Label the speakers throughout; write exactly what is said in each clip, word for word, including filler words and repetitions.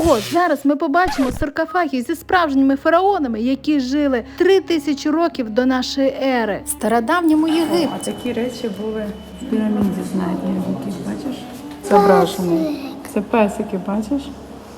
Speaker 1: Ого, зараз ми побачимо саркофаги зі справжніми фараонами, які жили три тисячі років до нашої ери. В стародавньому Єгипті.
Speaker 2: А такі речі були в піраміді знайдені, якісь, бачиш? Зображені. Це песики, бачиш?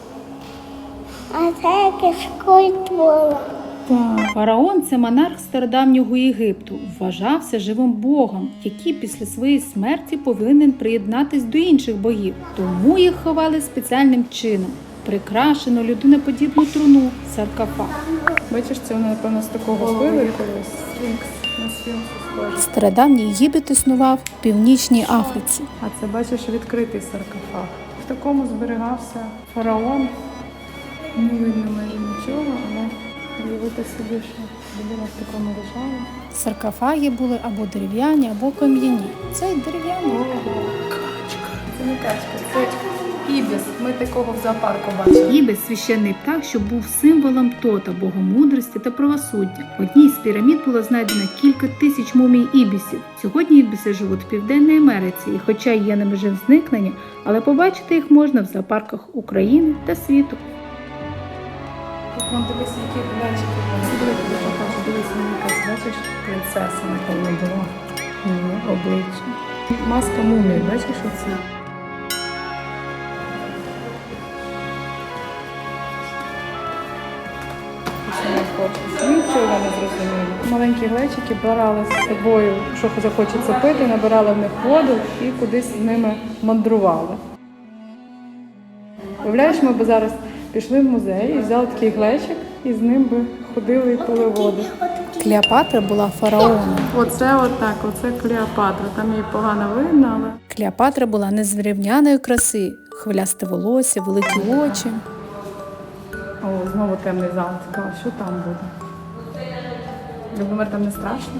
Speaker 3: А це якась культура.
Speaker 2: Так.
Speaker 1: Фараон – це монарх стародавнього Єгипту. Вважався живим богом, який після своєї смерті повинен приєднатись до інших богів. Тому їх ховали спеціальним чином. Прикрашено людиноподібну труну – саркофаг.
Speaker 2: Бачиш, це воно, напевно, з такого пили колись. Сфінкс. На сфінкс схоже.
Speaker 1: Стародавній Єгипет існував в Північній Африці.
Speaker 2: А це, бачиш, відкритий саркофаг. В такому зберігався фараон. Не видно майже нічого, але уявити собі, що людина в такому лежала.
Speaker 1: Саркофаги були або дерев'яні, або кам'яні. Цей дерев'яний.
Speaker 2: Це не качка, це ібіс. Ми такого в зоопарку бачили.
Speaker 1: Ібіс – священний птах, що був символом Тота, богомудрості та правосуддя. В одній з пірамід було знайдено кілька тисяч мумій ібісів. Сьогодні ібіси живуть в Південній Америці, і хоча є на межі зникнення, але побачити їх можна в зоопарках України та світу.
Speaker 2: Тут вон дивись, які глянчики. Дивись, дивись, мені якась, бачиш, принцеса, напевно, була. Її обличчя. Маска мумії, бачиш оце? Нічого не зрозуміло. Маленькі глечики брали з собою, що захочеться пити, набирали в них воду і кудись з ними мандрували. Уявляєш, ми б зараз пішли в музей і взяли такий глечик, і з ним би ходили і пили воду.
Speaker 1: Клеопатра була фараоном.
Speaker 2: Оце отак, оце Клеопатра. Там її погано видно, але...
Speaker 1: Клеопатра була незрівняної краси, хвилясте волосся, великі очі.
Speaker 2: О, знову темний зал. Цікаво, що там буде? Любомир, там не страшно?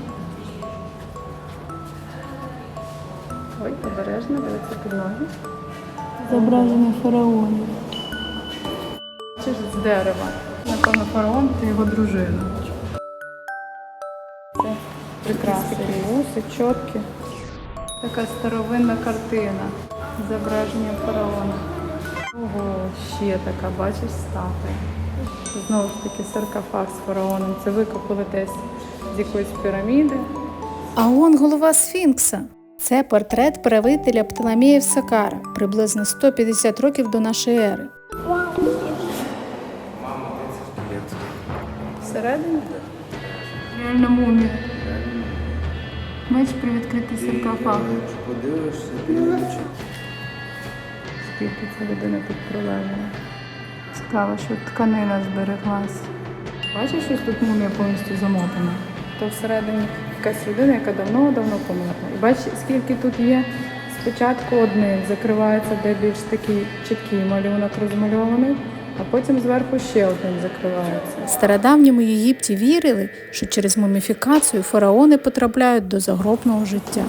Speaker 2: Ой, обережно, дивиться під ноги.
Speaker 1: Зображення фараонів.
Speaker 2: Чи ж з дерева? Напевно, фараон та його дружина. Це прекрасні вуси, чотки. Така старовинна картина з зображенням фараона. Ого, ще така, бачиш, статуя. Знову ж таки саркофаг з фараоном. Це викопали десь з якоїсь піраміди.
Speaker 1: А он голова Сфінкса. Це портрет правителя Птолемеїв Сакара, приблизно сто п'ятдесят років до нашої ери.
Speaker 2: Всередині? Реально мумія. Бачиш, привідкритий саркофаг.
Speaker 4: Подивишся, подивишся.
Speaker 2: Скільки ця людина тут пролежала. Цікаво, що тканина збереглась. Бачиш, що тут мумія повністю замотана? То всередині якась людина, яка давно-давно померла. І бачиш, скільки тут є. Спочатку одним закривається, де більш такий чіткий малюнок розмальований, а потім зверху ще одним закривається.
Speaker 1: В стародавньому Єгипті вірили, що через муміфікацію фараони потрапляють до загробного життя.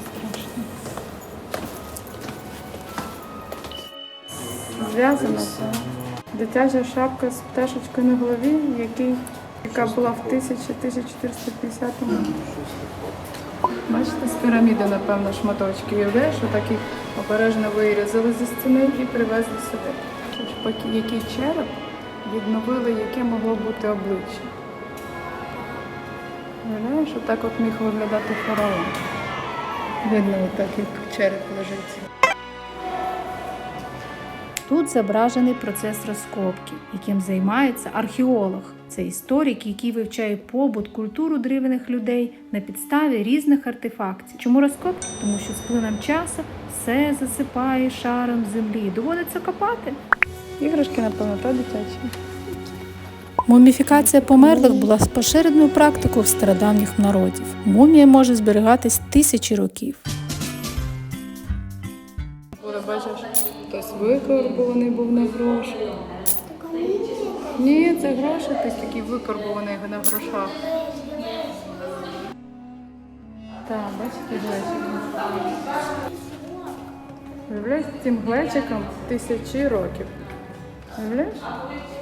Speaker 2: Зв'язано це. Дитяча шапка з пташечкою на голові, який, яка була в тисяча чотириста п'ятдесятому. Бачите, з піраміди, напевно, шматочки. Уявляєш, що так їх обережно вирізали зі стіни і привезли сюди. Поки який череп відновили, яке могло бути обличчя. Уявляєш, що так от міг виглядати фараон. Видно, отак, як череп лежить.
Speaker 1: Тут зображений процес розкопки, яким займається археолог. Це історик, який вивчає побут, культуру древніх людей на підставі різних артефактів. Чому розкопки? Тому що з плином часу все засипає шаром землі і доводиться копати.
Speaker 2: Іграшки, напевно, та дитячі.
Speaker 1: Муміфікація померлих була поширеною практикою в стародавніх народів. Мумія може зберігатись тисячі років.
Speaker 2: Бачиш, хтось викорбований був на гроші. Ні, це гроші, хтось такий викорбований на грошах. Так, бачите, глечики. Уявляєш, цим глечиком тисячі років. Уявляєш?